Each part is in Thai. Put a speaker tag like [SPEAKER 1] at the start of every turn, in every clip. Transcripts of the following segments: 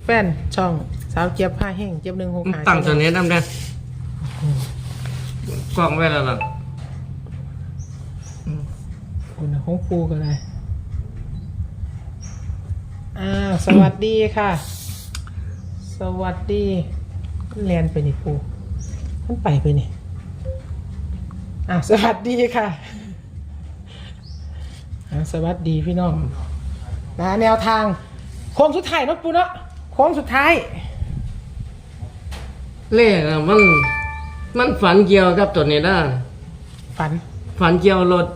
[SPEAKER 1] แฟนช่องสาวเจี๊ยบผ้าแห้งเจี๊ยบ165
[SPEAKER 2] ตั้งตัวนี้นำได้กล้องไว้แล้วล่ะ
[SPEAKER 1] คุณของปูกันเลยสวัสดีค่ะสวัสดีเรียนไปนี่ปูมันไปนี่สวัสดีค่ะสวัสดีพี่น้องแนวทางโค้งสุดท้ายเนาะปูเนาะโค้งสุดท้าย
[SPEAKER 2] เลขมันฝันเกี่ยวกับตัวนี้นะฝันเกี่ยวรถ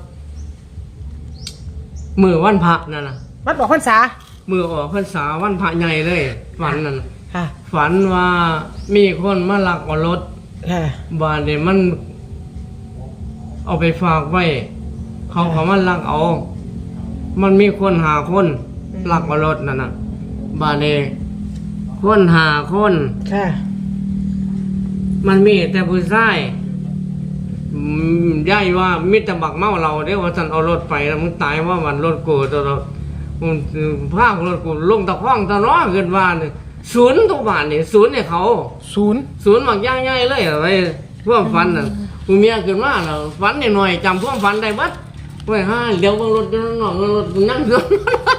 [SPEAKER 2] มือวันพระนั่นน่ะ
[SPEAKER 1] วัดบอกพรรษา
[SPEAKER 2] มือออกพรรษาวันพระใหญ่เลยฝันนั่น
[SPEAKER 1] ค่ะ
[SPEAKER 2] ฝันว่ามีคนมาลักเอารถ
[SPEAKER 1] ค่ะ
[SPEAKER 2] บ้านเนี่ยมันเอาไปฝากไว้เขามันลักเอามันมีคนหาคนลักเอารถนั่นน่ะบ้านเนี่ยคนหาคน
[SPEAKER 1] ค่ะ
[SPEAKER 2] มันมีแต่ผู้ชายย่ายว่ามิตรบักเมาเราเด้ว่าฉันเอารถไปแล้วมึงตายว่ามันรถกูตัวเราภาครถกูลงตะข้องตะน้อเกินว่าเนี่ยศูนย์ทุกบาทเนี่ยศูนย์เนี่ยเขา
[SPEAKER 1] ศูนย์
[SPEAKER 2] บักย่ายเลยอะไรพวกฝันน่ะกูเมียเกินว่าเราฝันหน่อยจำพวกฝันได้บัดไว้เดี๋ยวบางรถจะหน่อยรถนั่งเกิน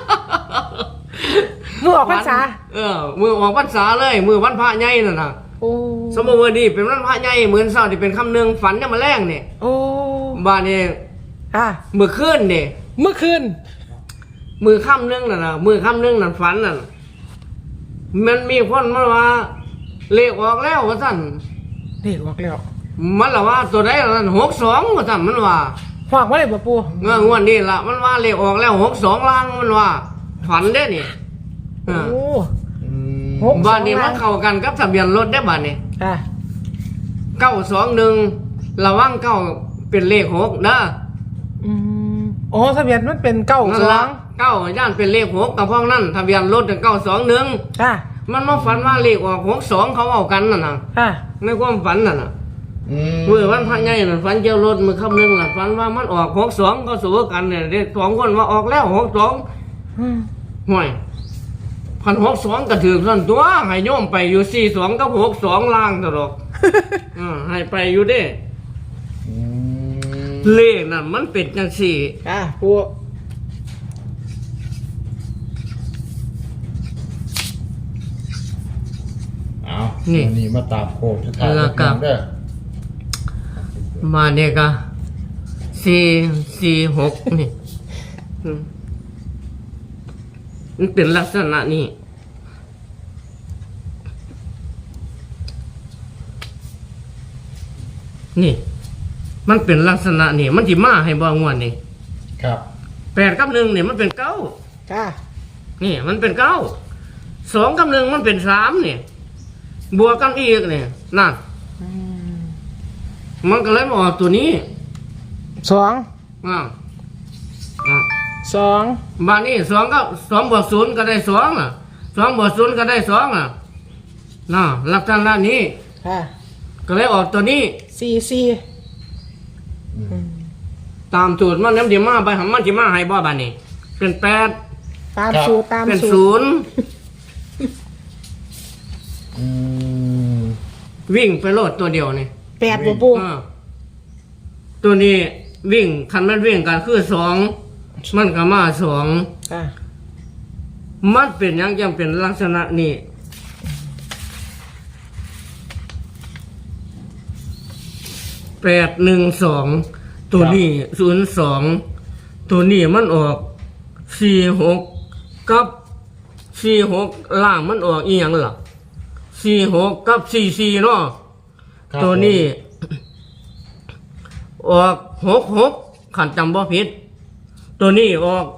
[SPEAKER 1] มือออกพรรษา
[SPEAKER 2] มือออกพรรษาเลยมือวันพระใหญ่นั่นน่ะสมมติว่าดีเป็นวันพระใหญ่เหมือนเศร้าที่เป็นคำหนึ่งฝันจะมาแรงเนี่ยบ้านเนี่ยมือคืนเนี่ย
[SPEAKER 1] มือคืน
[SPEAKER 2] มือค่ำนึงน่ะมือค่ำนึงนั่นฝันน่ะมันมีคนมาว่าเลขออกแล้วว่าสั่น
[SPEAKER 1] เลขออกแล้ว
[SPEAKER 2] มันละว่าตัวใดละ62ว่าสั่นมันว่า
[SPEAKER 1] ฝากไว้เลยบ่ปู่
[SPEAKER 2] งวดนี้ละมันว่าเลขออกแล้ว62ล่างมันว่าฝันได้นี่บ้านนี้มันเข้ากันกับทะเบียนรถได้บ้านนี้921ระวัง9เป็นเลข6นะ
[SPEAKER 1] ทะเบียนมันเป็น9
[SPEAKER 2] ย่านเป็นเลข6กับพวกนั้นทะเบียนรถ921มันมาฝันว่าเลขออก62เขาเอากันน่ะในความฝันน่ะเมื่อวันพระใหญ่น่ะฝันเกี่ยวรถมือค่ำนึงน่ะฝันว่ามันออก62ก็สู้กันเนี่ยเด็ก2คนว่าออกแล้ว62ห่วย1,662ก็ถือส่วนตัวให้โยมไปอยู่42กับ62ล่างตลอดให้ไปอยู่เด้เลขน่ะมันเป็นจังซี่
[SPEAKER 1] ปู่
[SPEAKER 3] นี่มาตามโคกสุดท้ายแล้วกันเด้อ
[SPEAKER 2] มาเนี่ยก็446นี่มันเป็นลักษณะนี้นี่มันเป็นลักษณะนี่มันสิมาให้บ่งวดนี่
[SPEAKER 3] ครับ
[SPEAKER 2] 8กับ1นี่มันเป็น9นี่มันเป็น9 2กับ1มันเป็น3นี่บวกกันอีกนี่นั่นมันก็เลยมาออกตัวนี้
[SPEAKER 1] 2
[SPEAKER 2] บ้านนี้2ก็2บวก0ก็ได้22บวก0ก็ได้2น่ะลักษณะนี้ก็เลยออกตัวนี้
[SPEAKER 1] 44
[SPEAKER 2] ตามสูตรมันน้ำจิมาไปหำมันจิมาให้บ่บ้านนี้เป็น8
[SPEAKER 1] ตามสูตร
[SPEAKER 2] เป็น0วิ่งไปโลดตัวเดียวนี่
[SPEAKER 1] 8บ่ปู่
[SPEAKER 2] ตัวนี้วิ่งคันมันวิ่งกันคือ2มันก็มา2มันเป็นยังจังเป็นลักษณะนี้812ตัวนี้02ตัวนี้มันออก46กับ46ล่างมันออกอีหยังล่ะ46กับ44เนาะตัวนี้ออก66ขันจำบ่ผิดตัวนี้ออก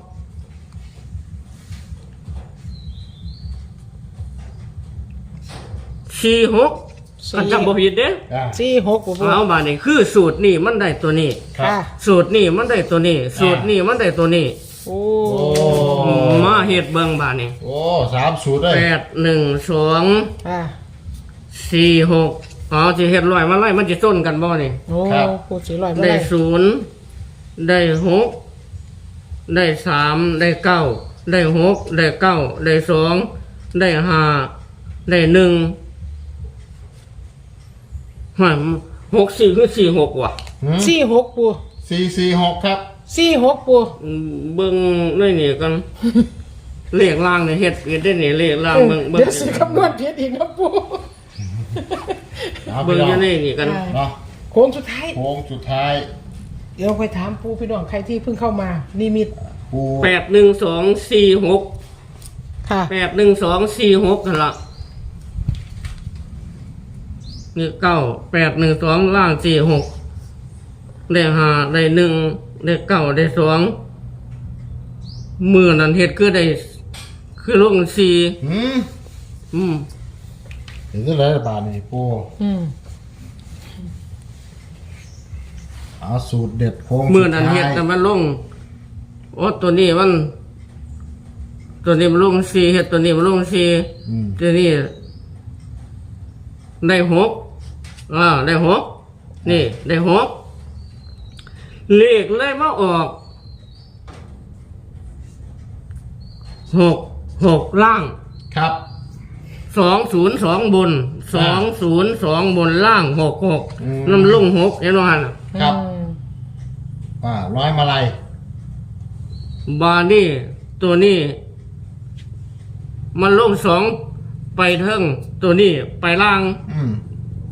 [SPEAKER 2] 46ขันจำบ่ผิดเด้
[SPEAKER 1] 46
[SPEAKER 2] เอาบาดนี้คือสูตรนี่มันได้ตัวนี้สูตรนี่มันได้ตัวนี้สูตรนี่มันได้ตัวนี้มาเฮ็ดเบิ่งบาดนี้
[SPEAKER 3] 3สูตรเลย
[SPEAKER 2] 81246สิเฮ็ดร้อยมาไล่มันสิต้นกันบ่นี่
[SPEAKER 1] ปู่สิร้อยมา
[SPEAKER 2] ได้0ได้6ได้3ได้9ได้6ได้9ได้2ได้5 ได้หนึ่งหาย64คือ46ว่ะ
[SPEAKER 1] 46ปู
[SPEAKER 3] 446ครับ
[SPEAKER 1] 46ปู
[SPEAKER 2] เบิ่งได้นี่กันเลขล่างเนี่ยเฮ็ดได้นี่เลขล่างเบิ่ง
[SPEAKER 1] เดี๋ยวสิคำนวณผิดอีกนะปู
[SPEAKER 3] เอา
[SPEAKER 2] เบิ่ง
[SPEAKER 3] พี่
[SPEAKER 2] อ
[SPEAKER 3] น้
[SPEAKER 2] ยู่
[SPEAKER 3] อง
[SPEAKER 2] นี่นี่กัน
[SPEAKER 3] เนาะ
[SPEAKER 1] โค้งสุดท้าย
[SPEAKER 3] โค้งสุดท้าย
[SPEAKER 1] เดี๋ยวไปถามปูพี่น้องใครที่เพิ่งเข้ามานิมิต
[SPEAKER 3] ปู
[SPEAKER 2] 81246
[SPEAKER 1] ค่ะ
[SPEAKER 2] 81246นั่นล่ะนี่9812ล่าง46ได้5ได้1ได้9ได้2มื้อนั้นเฮ็ดคือลง4
[SPEAKER 3] หืม
[SPEAKER 2] อืม
[SPEAKER 3] เห็นอะไรบาทนี่ปู
[SPEAKER 1] อืม
[SPEAKER 3] เอาสูตรเด็ดโค้ง
[SPEAKER 2] มื้อนั้นเฮ็ดแต่มันลงโอ้ตัวนี้มันลง4เฮ็ดตัวนี้มันลง4
[SPEAKER 3] อืม
[SPEAKER 2] ตัวนี้ได้6ได้6นี่ได้6เลขเลยมาออก6ล่าง
[SPEAKER 3] ครับ
[SPEAKER 2] 202บน202บนล่าง66น้ำลง6เห็นบ่หั่น
[SPEAKER 3] ครับ
[SPEAKER 1] อืม
[SPEAKER 3] ร้อยมาลัย
[SPEAKER 2] บานี่ตัวนี้ มันลง2ไปเทิงตัวนี้ไปล่าง
[SPEAKER 3] อืม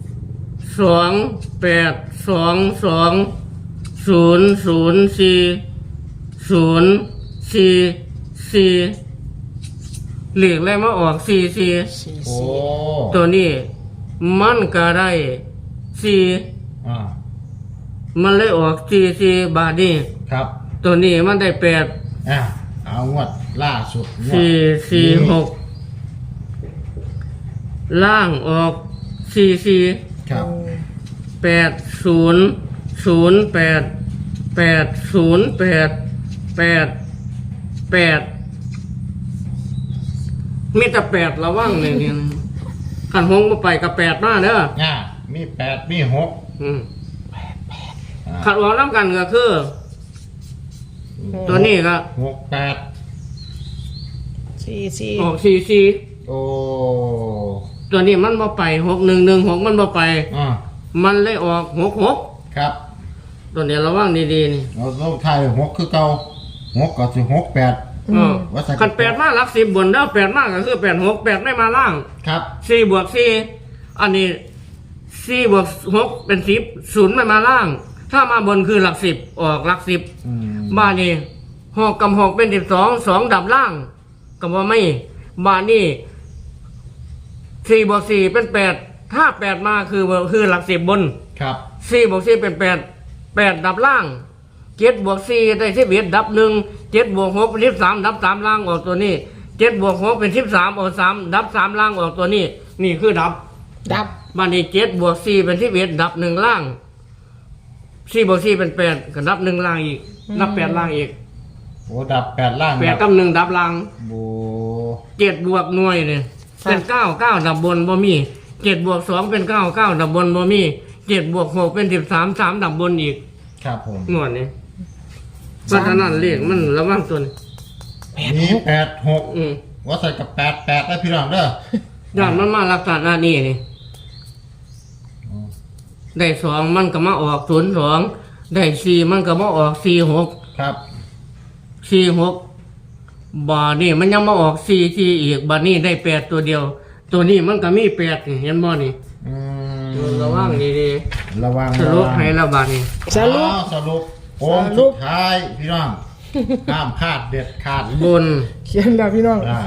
[SPEAKER 2] 28220044เหลีกแล้วมาออก44
[SPEAKER 3] โอ้
[SPEAKER 2] ตัวนี้มันก็ได้4
[SPEAKER 3] อ่า
[SPEAKER 2] มันเลยออก44บาทนี่
[SPEAKER 3] ครับ
[SPEAKER 2] ตัวนี้มันได้8
[SPEAKER 3] เอางวดล่าสุดงวด
[SPEAKER 2] 446ล่างออก44
[SPEAKER 3] ครับ
[SPEAKER 2] มีแต่8ระวังเลยเนี่ยขันหงมาไปกับ8มาเด้อ
[SPEAKER 3] มี8มี6
[SPEAKER 2] อืมขัดวางน้ำกันก็คือ ตัวนี้ก็
[SPEAKER 3] 68
[SPEAKER 1] 44
[SPEAKER 2] ออก44
[SPEAKER 3] โอ้
[SPEAKER 2] ตัวนี้มันมาไป6116มันมาไป มันเลยออก66
[SPEAKER 3] ครับ
[SPEAKER 2] ตัวนี้ระวังดีๆนี่
[SPEAKER 3] เราต้องทาย6คือเก่า6ก็สิ68 ว่าใส่
[SPEAKER 2] ขัน8มาหลัก10บนเด้อ8มาก็คือ86 8ไม่มาล่าง
[SPEAKER 3] ครับ
[SPEAKER 2] 4 บวก 4 อันนี้ 4 บวก 6 เป็น 10 0ไม่มาล่าง ถ้ามาบนคือหลัก 10 ออกหลัก 10
[SPEAKER 3] อืม
[SPEAKER 2] บ้านนี้6กับ6เป็น12 2ดับล่างก็บ่ไม่บ้านนี้4 บวก 4 เป็น 8 ถ้า 8 มาคือหลัก 10 บน
[SPEAKER 3] ครับ
[SPEAKER 2] 4 บวก 4 เป็น 8 8 ดับล่าง 7 บวก 4 ได้11ดับ 1 7 บวก 6 เป็น13ดับ 3 ล่างออกตัวนี้ 7 บวก 6 เป็น13ออก3ดับ 3 ล่างออกตัวนี้ นี่คือดับ
[SPEAKER 1] ดับ
[SPEAKER 2] บ้านนี้7 บวก 4 เป็น11ดับ 1 ล่าง 4 บวก 4 เป็น 8ก็ดับ 1 ล่างอีก ดับ 8 ล่างอีก
[SPEAKER 3] โอ้ดับ8ล่าง
[SPEAKER 2] 8 กับ 1 ดับล่าง
[SPEAKER 3] โอ้
[SPEAKER 2] 7 บวกหน่วยเนี่ยเป็น9 9ดับบนบ่มี7 บวก 2 เป็น9 9ดับบนบ่มี7 บวก 6 เป็น13 3ดับบนอีก
[SPEAKER 3] ครับผม
[SPEAKER 2] หน่วยนี่เพราะฉะนั้นเลขมันระวังตัวนี้
[SPEAKER 3] มี86
[SPEAKER 2] อืม
[SPEAKER 3] ว่าใส่กับ88ได้พี่น้องเด้อ
[SPEAKER 2] ย้อนมันมาลักษณะนี้นี่ได้2มันก็มาออก02ได้4มันก็มาออก46
[SPEAKER 3] ครับ
[SPEAKER 2] 46บาทนี่มันยังมาออก44อีกบาทนี้ได้8ตัวเดียว ตัวนี้มันก็มี8นี่เห็นบ่นี่
[SPEAKER 3] อืม
[SPEAKER 2] ระวังดี
[SPEAKER 3] ระวัง
[SPEAKER 2] ๆสรุปให้ละบาทนี่
[SPEAKER 1] สรุป
[SPEAKER 3] สรุปโค้งสุดท้ายพี่น้องห้ามพลาดเด็ดขาด
[SPEAKER 2] บน
[SPEAKER 1] เขียนแล้วพี่น้อง
[SPEAKER 3] อ่า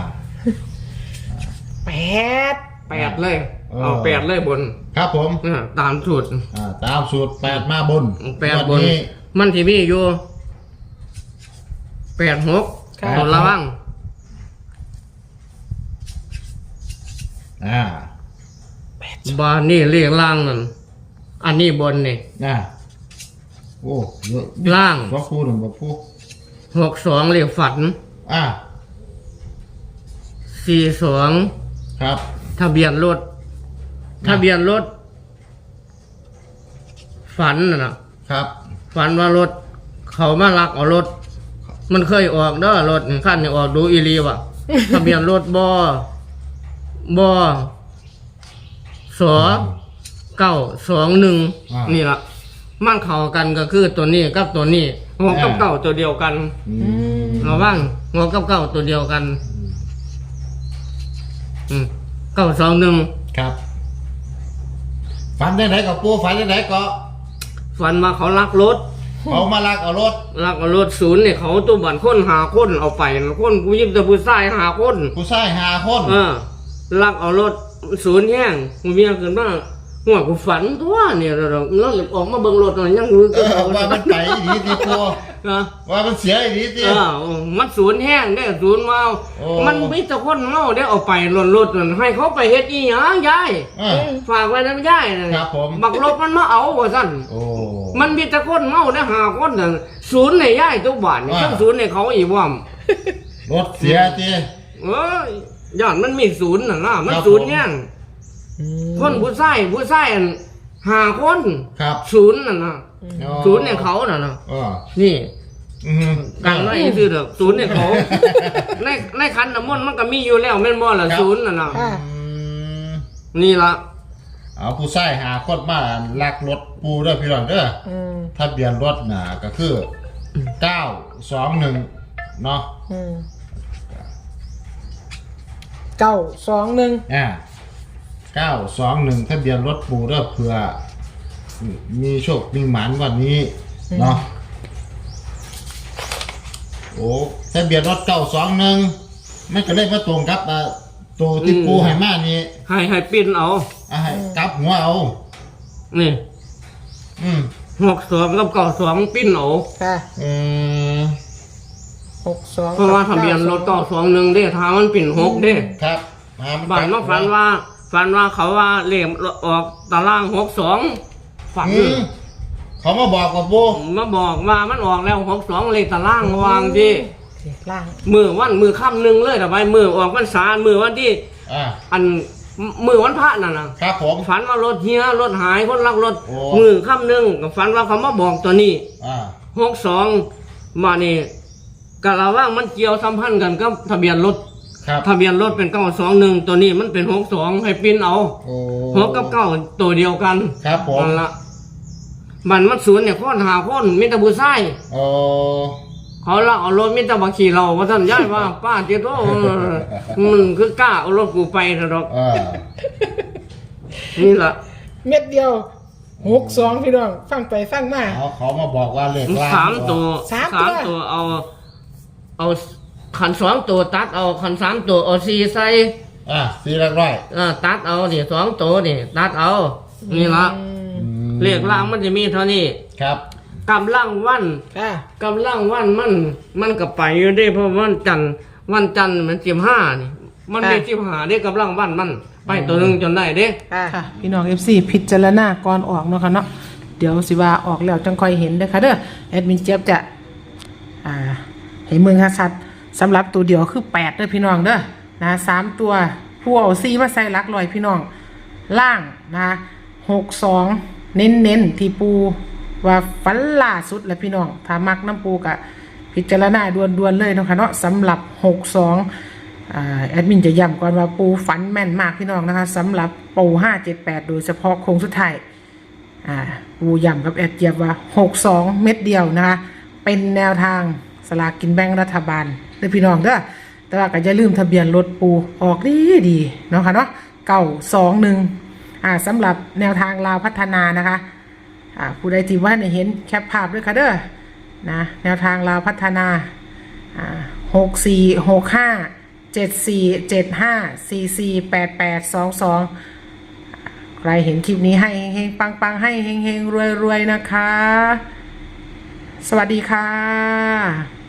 [SPEAKER 1] 8
[SPEAKER 2] 8เลยเอา8เลยบน
[SPEAKER 3] ครับผม
[SPEAKER 2] ตามสูตร
[SPEAKER 3] ตามสูตร8มาบน
[SPEAKER 2] 8บ
[SPEAKER 3] วัน
[SPEAKER 2] น
[SPEAKER 3] นี้
[SPEAKER 2] มันที่มีอยู่86
[SPEAKER 1] ครับ
[SPEAKER 2] ต้องระวัง
[SPEAKER 3] อ่า
[SPEAKER 2] บานนี่เรียกล่างนั่นอันนี้บนนี่
[SPEAKER 3] โอ้เยอะ
[SPEAKER 2] ล่าง
[SPEAKER 3] ว่าพูดหนึ่งว่าพูด
[SPEAKER 2] 62เรียกฝัน
[SPEAKER 3] อ่า
[SPEAKER 2] 42
[SPEAKER 3] ครับ
[SPEAKER 2] ทะเบียนรถทะเบียนรถฝันน่ะนะครับ ฝันว่ารถเขามาลักเอารถ มันเคยออกเด้อรถขั้นนี่ออกดูอีรีว่ะ ทะเบียนรถบ่921นี่ล่ะมันเข้ากันก็คือตัวนี้กับตัวนี้หัวกับเก้าตัวเดียวกัน ระวังหัวกับเก้าตัวเดียวกัน921
[SPEAKER 3] ครับฝันได้ไหนกับปูฝันได้ไหนก็
[SPEAKER 2] ฝันมาเขาลักรถ
[SPEAKER 3] เขามาลักเอารถ
[SPEAKER 2] ศูนย์เนี่ยเขาตัวบันคนหาคนเอาไปคนกูยิบแต่ผู้ชายหาคน
[SPEAKER 3] ผู้ชาย5 คน
[SPEAKER 2] ลักเอารถศูนย์แห้งกูเมียเกินว่าหัวกูฝันตัวเนี่ยเราออกมาเบิ่งรถอะไรยังรู้
[SPEAKER 3] ว่ามันไปดีดีปูว่ามันเสียดีดี
[SPEAKER 2] มันศูนย์แห้งได้ศูนย์เมามันมีแต่คนเมาได้เอาไปรถให้เขาไปเฮ็ดอีหยังยายฝากไว้นะยายบักรถมันมาเอาว่าซั่นมันมีแต่คนเมาได้หาคนน่ะศูนย์ในยายทุกบ้านนี่ศูนย์ในเขาอีกว่าร
[SPEAKER 3] ถเสียที
[SPEAKER 2] ย้อนมันมีศูนย์น่ะนะมันศูนย์แห้งคนผู้ชายหาคนศูนย์น่ะนะศูนย์ในเขาน่ะนะนี่กันไว้คือเด้อศูนย์ในเขาในคันน้ำมนต์มันก็มีอยู่แล้วแม่นบ่ล่ะศูนย์น่ะนะนี่ล่ะ
[SPEAKER 3] เอาผู้ชาย5 คนมาลักรถปูเด้อพี่น้องเด้อทะเบียนรถน่ะก็คือ921เนาะ
[SPEAKER 1] 921
[SPEAKER 3] 921ทะเบียนรถปูเด้อเพื่อมีโชคมีหมานวันนี้เนาะโอ้ทะเบียนรถ921มันก็เลยมาตรงกับตัวที่ปูให้มานี่
[SPEAKER 2] ให้ปิ้นเอา
[SPEAKER 3] ให้กลับหัวเอา
[SPEAKER 2] นี่62กับ92ปิ้นเอา
[SPEAKER 1] ค่ะ
[SPEAKER 2] 62เพราะว่าทะเบียนรถ921เด้ถ้ามันปิ้น6เด้
[SPEAKER 3] ครับ
[SPEAKER 2] บ้านมาฝันว่าเขาว่าเลขออกตาราง62ฝัน
[SPEAKER 3] เขามาบอกกับปู
[SPEAKER 2] มาบอกว่ามันออกแล้ว62เลขตารางวางดิ
[SPEAKER 1] ล่าง
[SPEAKER 2] มือค่ำนึงเลยแต่ไปมือออกพรรษามือวันที่อันมือวันพระนั่น
[SPEAKER 3] นะครับผม
[SPEAKER 2] ฝันว่ารถเฮียรถหายคนลักรถมือค่ำนึงฝันว่าเขามาบอกตัวนี้62มานี่กะละว่างมันเกี่ยวสัมพันธ์กันกับทะเบียนรถทะเบียนรถเป็น921ตัวนี้มันเป็น62ให้ปิ้นเอา6กับ9ตัวเดียวกัน
[SPEAKER 3] ครับผม
[SPEAKER 2] นั่นละมันศูนย์เนี่ยคนหาคนมีแต่ผู้ชายเขาละเอารถมิตรบักขี่เราว่าท่านย้ายว่าป้าเจ้าโตมันคือกล้าเอารถกูไปเถอะดอกนี่ล่ะ
[SPEAKER 1] เม็ดเดียว62พี่น้องฟังไปฟังมา
[SPEAKER 3] เขามาบอกว่าเลขล่าง
[SPEAKER 2] 3ตัวเอาขัน2ตัวตัดเอาขัน3ตัวเอา4ใส่
[SPEAKER 3] 4หลักร้อย
[SPEAKER 2] ตัดเอานี่2ตัวนี่ตัดเอานี่ล่ะเลขล่างมันจะมีเท่านี้
[SPEAKER 3] ครับ
[SPEAKER 2] กำลังวันมันก็ไปอยู่ได้เพราะวันจันทร์มัน15นี่มันได้15ได้กำลังวันมันไปตัวนึงจนได้เด้
[SPEAKER 1] ค่ะพี่น้อง FC พิจารณาก่อนออกเนาะค่ะเนาะเดี๋ยวสิว่าออกแล้วจังค่อยเห็นเด้อค่ะเด้อแอดมินเจี๊ยบจะให้เมืองชัดสำหรับตัวเดียวคือ8เด้อพี่น้องเด้อนะ3ตัวผู้เอา4มาใส่หลักร้อยพี่น้องล่างนะ62เน้นที่ปูว่าฟันล่าสุดแล้วพี่น้องถ้ามักน้ำปูกะพิจารณาด่วนๆเลยเนาะค่ะเนาะสำหรับ62แอดมินจะย้ำก่อนว่าปูฝันแม่นมากพี่น้องนะคะสำหรับปู578โดยเฉพาะโค้งสุดท้ายปูย้ำกับแอดเจี๊ยบว่า62เม็ดเดียวนะคะเป็นแนวทางสลากกินแบ่งรัฐบาลเลยพี่น้องเด้อแต่ว่าก็อย่าลืมทะเบียนรถปูออกดีเนาะค่ะเนาะ921สำหรับแนวทางลาวพัฒนานะคะผู้ใดที่ว่าเห็นแคปภาพด้วยค่ะเด้อนะแนวทางลาวพัฒนา6465 7475 448822ใครเห็นคลิปนี้ให้เฮงปังๆให้เฮงๆรวยๆนะคะสวัสดีค่ะ